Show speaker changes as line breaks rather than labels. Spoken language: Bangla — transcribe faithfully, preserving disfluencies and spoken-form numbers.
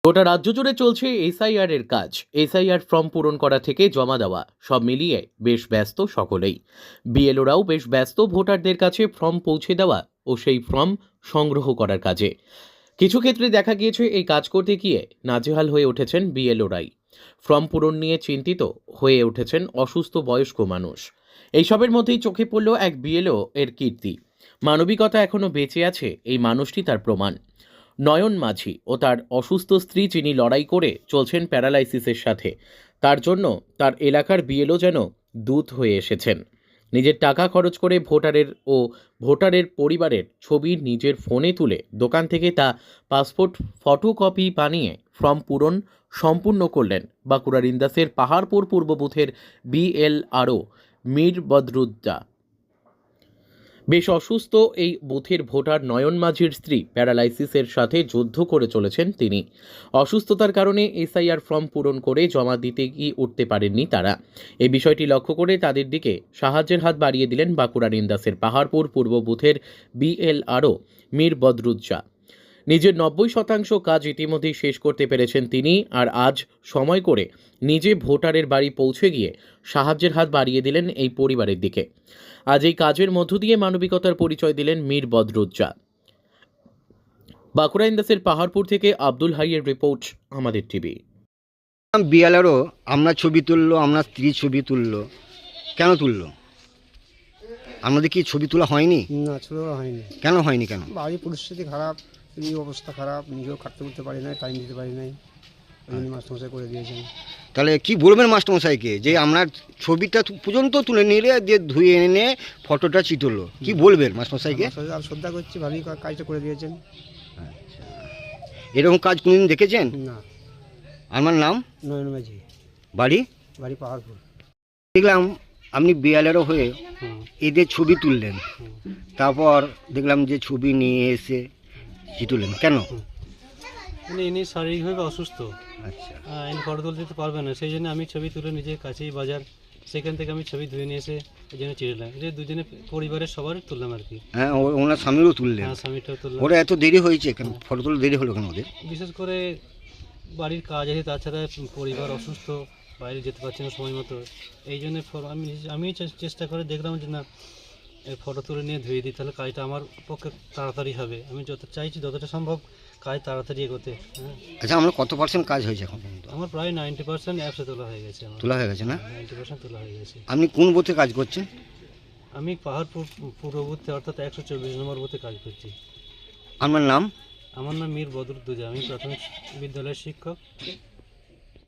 গোটা রাজ্য জুড়ে চলছে এসআইআর এর কাজ। এসআইআর ফর্ম পূরণ করা থেকে জমা দেওয়া সব মিলিয়ে বেশ ব্যস্ত সকলেই। বিএলওরাও বেশ ব্যস্ত ভোটারদের কাছে ফর্ম পৌঁছে দেওয়া ও সেই ফর্ম সংগ্রহ করার কাজে। কিছু ক্ষেত্রে দেখা গিয়েছে এই কাজ করতে গিয়ে নাজেহাল হয়ে উঠেছেন বিএলওরাই। ফর্ম পূরণ নিয়ে চিন্তিত হয়ে উঠেছেন অসুস্থ বয়স্ক মানুষ। এইসবের মধ্যেই চোখে পড়ল এক বিএলও এর কীর্তি। মানবিকতা এখনো বেঁচে আছে এই মানুষটি তার প্রমাণ। নয়ন মাঝি ও তার অসুস্থ স্ত্রী যিনি লড়াই করে চলছেন প্যারালাইসিসের সাথে, তার জন্য তার এলাকার বিএলও যেন দূত হয়ে এসেছেন। নিজের টাকা খরচ করে ভোটারের ও ভোটারের পরিবারের ছবি নিজের ফোনে তুলে দোকান থেকে তা পাসপোর্ট ফটোকপি বানিয়ে ফর্ম পূরণ সম্পূর্ণ করলেন বাঁকুড়ার ইন্দাসের পাহাড়পুর পূর্ব বুথের বিএলআরও মীর বদরুদ্দা। বেশ অসুস্থ এই বুথের ভোটার নয়ন মাঝির স্ত্রী প্যারালাইসিসের সাথে যুদ্ধ করে চলেছেন তিনি। অসুস্থতার কারণে এসআইআর ফর্ম পূরণ করে জমা দিতে গিয়ে উঠতে পারেননি তারা। এই বিষয়টি লক্ষ্য করে তাদের দিকে সাহায্যের হাত বাড়িয়ে দিলেন বাঁকুড়ার ইন্দাসের পাহাড়পুর পূর্ব বুথের বিএলআরও মীর বদরুজ্জা। নিজের নব্বই শতাংশ কাজ ইতিমধ্যেই শেষ করতে পেরেছেন তিনি, আর আজ সময় করে নিজে ভোটারের বাড়ি পৌঁছে গিয়ে সাহায্যের হাত বাড়িয়ে দিলেন এই পরিবারের দিকে। আজ এই কাজের মধ্য দিয়ে মানবিকতার পরিচয় দিলেন মীর বদরুজ্জা। বাঁকুড়া ইন্দাসের পাহাড়পুর থেকে আব্দুল হাইয়ের রিপোর্ট, আমাদের টিভি।
বিয়ালারও আমরা ছবি তুললো, আমরা স্ত্রী ছবি তুললো, কেন তুললো? আমাদের কি ছবি তোলা হয়নি?
না, ছবি তোলা হয়নি।
কেন হয়নি? কেন?
বাড়ির পরিস্থিতি খারাপ, এই অবস্থা খারাপ, নিজেও খাটতে করতে পারি নাই, টাইম দিতে পারি নাই, ওই জন্য মাস্টারমশাই করে দিয়েছেন।
তাহলে কি বলবেন মাস্টারমশাইকে যে আমরা ছবিটা পর্যন্ত তুলে নিলে দিয়ে ধুয়ে এনে ফটোটা চিটলো, কি বলবেন মাস্টারমশাইকে?
আর শ্রদ্ধা করছি, ভালোই কাজটা করে দিয়েছেন।
আচ্ছা, এরকম কাজ কোনোদিন দেখেছেন?
না।
আমার নাম
নয়ন মাঝি,
বাড়ি
বাড়ি পাহাড়পুর।
দেখলাম আপনি বিয়ালেরও হয়ে এদের ছবি তুললেন, তারপর দেখলাম যে ছবি নিয়ে এসে চিটুলেন, কেন?
মানে ইনি শারীরিকভাবে অসুস্থ।
আচ্ছা,
ইনি ফটো তুলতে তো পারবে না, সেই জন্য আমি ছবি তুলে নিজের কাছেই বাজার, সেখান থেকে আমি ছবি ধুয়ে নিয়ে এসে এই জন্য চিড়লাম। এটা দুজনে পরিবারের সবার তুললাম আর কি।
হ্যাঁ, ওনার স্বামীরও তুললেন।
হ্যাঁ, স্বামীটাও তুললাম।
ওরা এত দেরি হয়েছে কেন? ফটো তুলে দেরি হলো কেন ওদের?
বিশেষ করে বাড়ির কাজ আছে, তাছাড়া পরিবার অসুস্থ, বাইরে যেতে পারছি না সময় মতো, এই জন্য আমি আমি চেষ্টা করে দেখলাম যে না, এই ফটো তুলে নিয়ে ধুয়ে দিই, তাহলে কাজটা আমার পক্ষে তাড়াতাড়ি হবে। আমি যত চাইছি যতটা সম্ভব কাজ তাড়াতাড়ি এগোতে। হ্যাঁ।
আচ্ছা, আমরা কত পার্সেন্ট কাজ হয়েছে এখন পর্যন্ত?
আমার প্রায় নাইনটি পার্সেন্ট অ্যাপসে তোলা হয়ে গেছে। আমার
তোলা হয়ে গেছে না?
নাইনটি পার্সেন্ট তোলা হয়ে গেছে।
আপনি কোন বুথে কাজ করছেন?
আমি পাহাড়পুর পূর্ব বুথে অর্থাৎ একশো চব্বিশ নম্বর বুথে কাজ করছি।
আমার নাম?
আমার নাম মীর বদরুদ্দোজা, আমি প্রাথমিক বিদ্যালয়ের শিক্ষক।